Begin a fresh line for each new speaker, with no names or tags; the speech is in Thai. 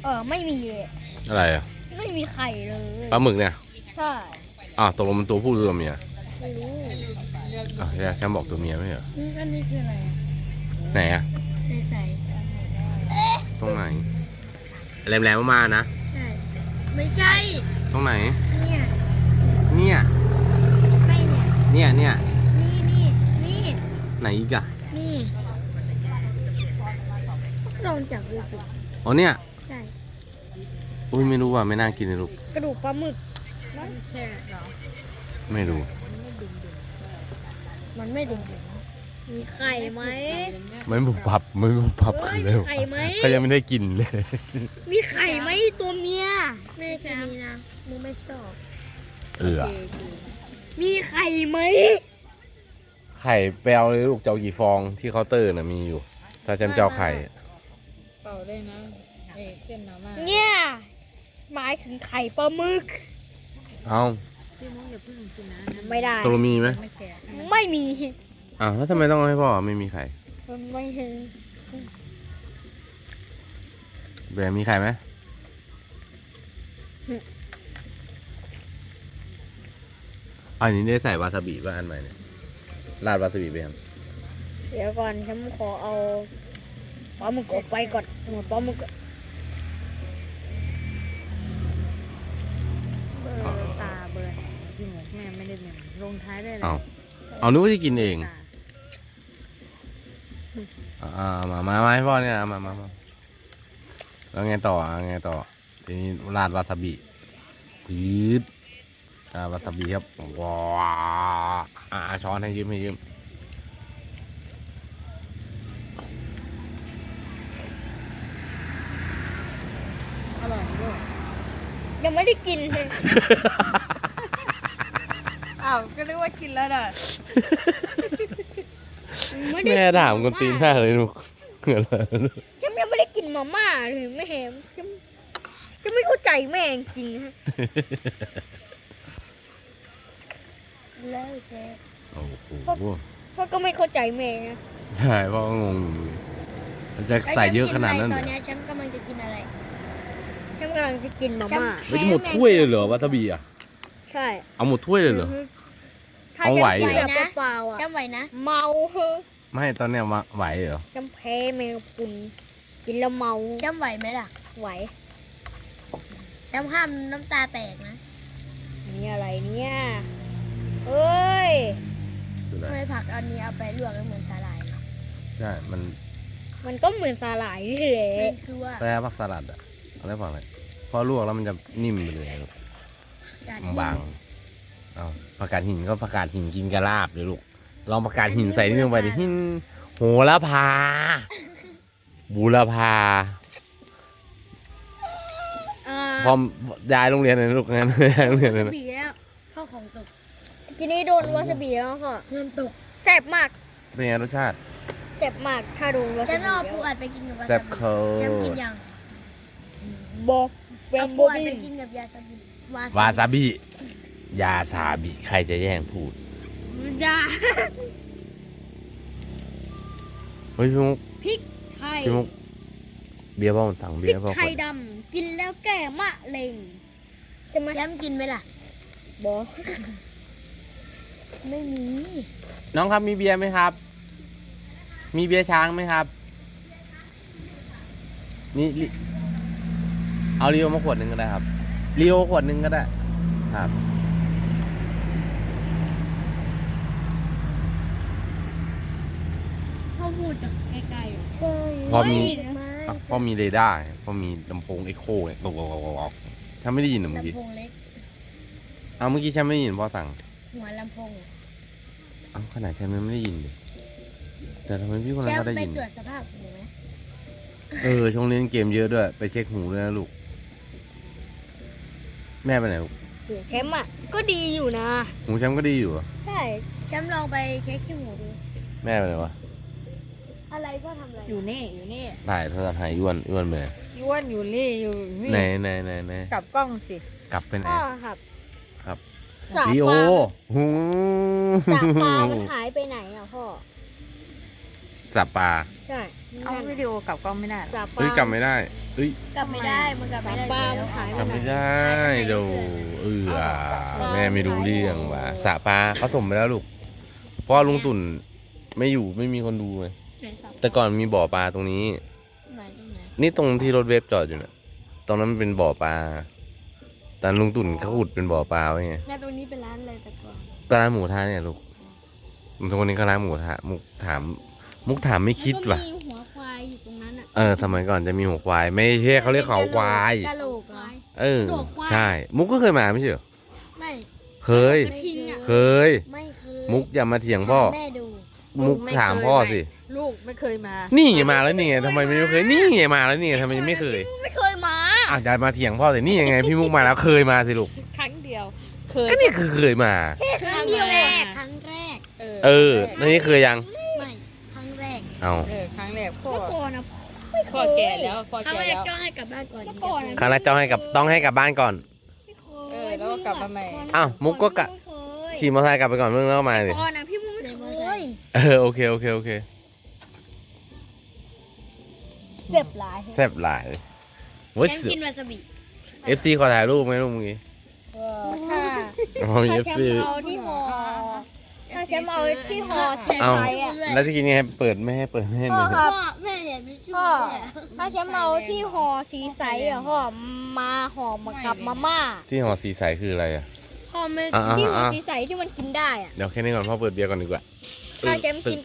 ไม่มีเลย
อะไรอ่ะ
ไม่มีไข่เลย
ปลาหมึกเนี่ย
ใช่
ตกลงมันตัวผู้หรือตัวเมีย
ไม่รู้
แชมป์บอกตัวเมียไม่เหรอ
อันนี้คืออะไร
ไหนอ่ะ
ใส่
ตรงไหนแหลมๆมานะ
ใช่ไม่ใช่
ตรงไหน
เนี่ย
เนี่ย
ไม่เนี่ย
เนี่ย
นี่
ไหนอีกอ่ะ
นี่ลองจับดูสิ
อ๋อเนี่ย
ใช่
อุ้ยไม่รู้ว่ะไม่น่ากินเลยลูก
กระดูกปลาหมึกมันแช่เหรอ
ไม่รู้
มันไม่ดึงมีไข่ไหม
ไม่บุบพับคือเร็ว
ไข่ไหม
ก็ยังไม่ได้กินเลย
มีไข่ไหมตัวเมียไม่ใช่มีนะมึงไม่ชอบ มีไข่ไหม
ไข่แปลวเลยลูกเจ้ากี่ฟองที่เคาน์เตอร์น่ะมีอยู่ ถ้าแชมป์เจ้าไข่
เป่าได้นะเส้นมาม่า
เนี่ยหมายถึงไข่ปลาหมึก
เอา
พี่มุ้งอย่าเพิ่งกินนะ
ไม่ได้
ตัวมีไหม
ไม่แก่
ไม่มี
แล้วทำไมต้องให้พ่อไม่มีไข่
ไม่เห็น
แบร์มีไข่ไหมอันนี้ได้ใส่วาซาบิป่ะอันใหม่เนี่ยราดวาซาบิไปยัง
เดี๋ยวก่อนฉันขอเอาปลาหมึกออกไปก่อนหมดปลาหมึก
ตาเบิร์นพี่หมูแม่ไม่ได้เนี่ยลงท้ายได้เลย
เอานึกว่าจะกินเองมาให้พ่อเนี่ยมาแล้วไงต่อทีนี้ราดวาซาบิยืดวาซาบิครับว้าช้อนให้ยืม
อร่อยด้วย
ยังไม่ได้กินเลย
อ้าวก็นึกว่ากินแล้วน่ะ
แม่ถามคนตีนมากเลยลูกเหงื่อเลย
ฉันยังไม่ได้กินมาม่าเลยไม่เห็นฉันไม่เข้าใจแม่จริงฮะแล้วแก
โอ้โห
พ่อก็ไม่เข้าใจแม่นะ
ใช่พ่อก็งงอยู่มันจะใส่เยอะขนาดนั้น
ต
เหร
อ
อน
นี้ฉันกำลังจะกินอะไรฉันกำลังจะกินมาม่า
ไม่หมดถ้วยเลยเหรอวาซาบิอ่ะ
ใช่
เอาหมดถ้วยเลยเหรอ
ถ้า
เอาไหว
จะ
เหรอ
แบบเปล่าๆอ่ะ
จำไว้นะ
เมาเฮ้อ
ไม่ตอนเนี้ยมาไหวเหรอ
จำแพ้แมงปุนกินแล้วเมา
จำไหวไหมล่ะ
ไหว
จำห้ามน้ำตาแตกนะ
นี่อะไรเนี่ยเอ้ย
คืออะไร
ทำไมผักอันนี้เอาไปลวกแล้วเหมือนสาหร่าย
ใช่มัน
มันก็เหมือนสาหร่ายนี่แหละ
มันคือว่า
แปรผักสลัดอ่ะอะไรผักอะไรพอลวกแล้วมันจะนิ่มไปเลยลูก
การ
บางเอาผักกาดหินก็ผักกาดหินกินกระลาบเลยลูกลองผักกาดหินใส่นิดนึงไปดิหินโหระพาบูรพา พอย้ายโรงเรียนเลยลูกงั้นย้ายโรงเรียนเลยนะ
บีแล้ว
ข้าวของตก
ทีนี้โดนวาซาบิแล้วค่ะ
เงินตก
แซ่บมาก
เป็นไงรสชาติ
แซ่บมากถ้าโดนวา
ฉั
ซาน บิ
เอา
แล้
ปู
ว
อัดไปกินกับวา
แซ่
ซา
บ
บิ
เขา
แชมป์กินยัง
บอกแบ
เอา
ม
ปู
โบ
อัด
บี้
ไปกินกับยาซาบิ
วาซาบิยาซาบิใครจะแย่งพูด
ดา
เฮ้ยพี่มุก
พริกไทย
พี่มุกเบียร์พ่อมันสั่ง
พ
เบี
ริ
ย
ก
ร์พ่อ
ไท
คน
ยดำกินแล้วแก้มะเร็งใช่ไหม
แชมป์กินไหมล่ะ
บอก
ไม่มี
น้องครับมีเบียร์ไหมครับ มีเบียร์ช้างไหมครับนี่เอาเรียวมาขวดหนึ่งก็ได้ครับเรียวขวดหนึ่งก็ได้ครับ
เขาพูดจากไกลๆอ่ะ
ใช่
พอมี
ไม่
พ่อมีเรดาร์พ่อมีลำโพงเอ็กโคเนี่ยบอกถ้าไม่ได้ยินเหรอเมื่อกี้
ลำโพงเล็ก
เอาเมื่อกี้ฉันไม่ได้ยินพ่อสั่ง
หัวลำโพง
เอาขนาดฉันไม่ได้ยินเลยแต่ทำไมพี่คน
แช
นั้น
ม
เขา
ป์
ได้
ไป
ยิน
ตรวจสภาพหูไหม
ช่วงเล่นเกมเยอะด้วย ไปเช็คหูด้วยนะลูก แม่ไปไหนลูก
เสียงแชมป์อ่ะก็ดีอยู่นะ
หูแชมป์ก็ดีอยู่เหรอ
ใช่
แชมป์ลองไปเช็คขี้หูดู
แม่ไปไหนวะ
อะไรก็ทำอะไร
อยู่นี่อยู่นี่
ถ่ายโทรศัพท์หายอ้วนไปไหน
ย้วนอยู่นี่อยู่นี่
ไหน
กลับกล้องสิ
กลับไปไหน
พ่อครับ
ครับ
สา
ลีโอ
ปลา
หู
สาปลามันหายไปไหนอ่ะพ่อ
สับปลา
ใช่
เอาวิดีโอกลับกล้องไม่ได้หรอ
สาปลา
เฮ้ยกลับไม่ได้
ม
เอ้ย
กลับไม่ได้มันกลับไม่ได้
ป้า
แล้
มั
วน
หาย
จำไม่ได้เดี๋ยวแม่ไม่รู้เรื่องว่ะสระปลาเขาถมไปแล้วลูกเพราะว่าลุงตุ่นไม่อยู่ไม่มีคนดูไง
ไหนครับ
แต่ก่อนมีบ่อปลาตรงนี้
ไหนตรงไหน
นี่ตรงที่รถเวฟจอดอยู่เนี่ยตรงนั้นมันเป็นบ่อปลาแต่ลุงตุ่นเขาขุดเป็นบ่อปลาไว้ไง
แล้วตรงนี้เป็นร้านอะไรแต่ก่อน
ก็ร้านหมูทะเนี่ยลูกตรงนี้ก็ร้านหมูทะมุกถามไม่คิดว่ะ
แล้วก็มีหัวควายอยู่ตรงนั้นอ่ะ
สมัยก่อนจะมีหัวควายไม่ใช่เขาเรียกเขาควาย
กะโหลกเหรอ หัวควาย
ใช่ มุกก็เคยมาไม่ใช่เหรอ
ไม่
เคย
กระทิงอ่ะ
เคย
ไม่เคย
มุกอย่ามาเถียงพ่อ
แม่ดู
มุกถามพ่อสิ
ลูกไม่เคยมา
นี่ไงมาแล้วนี่ไงทำไมไม่เคย นี่ไงมาแล้วนี่ไงทำไมยังไม่เคย
ไม่เคยมา
อ่ะอย่ามาเถียงพ่อสินี่ยังไงพี่มุกมาแล้วเคยมาสิลูก
ครั้งเดียว เคย
ก็นี่คือเคยมา
ครั้งเดียวแรกครั้งแรก
แล้วนี่เคยยัง
ไม่ครั้งแรก
เอา
ครั้งแรกพ่อ
เมื่อก่อนนะ
พ่อแก่แล้วพ่อ
ครั้ง
แก่
แรก
แล้ว
จ้องให้กลับบ้านก่อนเมื่อก่อนนะ
ครั้งแรกต้องให้กลับบ้านก่อน
ไม่เคย
แล้วก็กลับมาใหม่
อ้าวมุกก็กะ
ไม่เคย
ขี่มอเตอร์ไซค์กลับไปก่อนเมื่อแล้วก็มาสิ
ก่อนนะพี่มุกไม่เคย
โอเค
เจ็บหลาย
แซ่บหลายโว้ย
แชมป์กินวาซาบิ
FC ขอถ่ายรูปไหมลูกเมื่อกี้
ค่ะ
อ๋อมี
ถ้าแช
FC
มป์เอาที่ห่อถ้าแชมป์เอาที่ห่อแทน
เอา
ไปอ่ะ
แล้วจะกินยังไงเปิดไม่ให้เปิดไม่ให้
พ่
เล
อย ครับแม่เนี่ยพ่อถ้าแชมป์เอาที่ห่อสีใสอ่ะพ่อมาห่อมากับมาม่า
ที่ห่อสีใสคืออะไรอ่ะ
พ่อไม่
อ่า
ที่ห่อ
อ่า
สีใสที่มันกินได้อ่ะ
เดี๋ยวแค่นี้ก่อนพ่อเปิดเบียร์ก่อนดีกว่า
ถ้าแชมป์กิน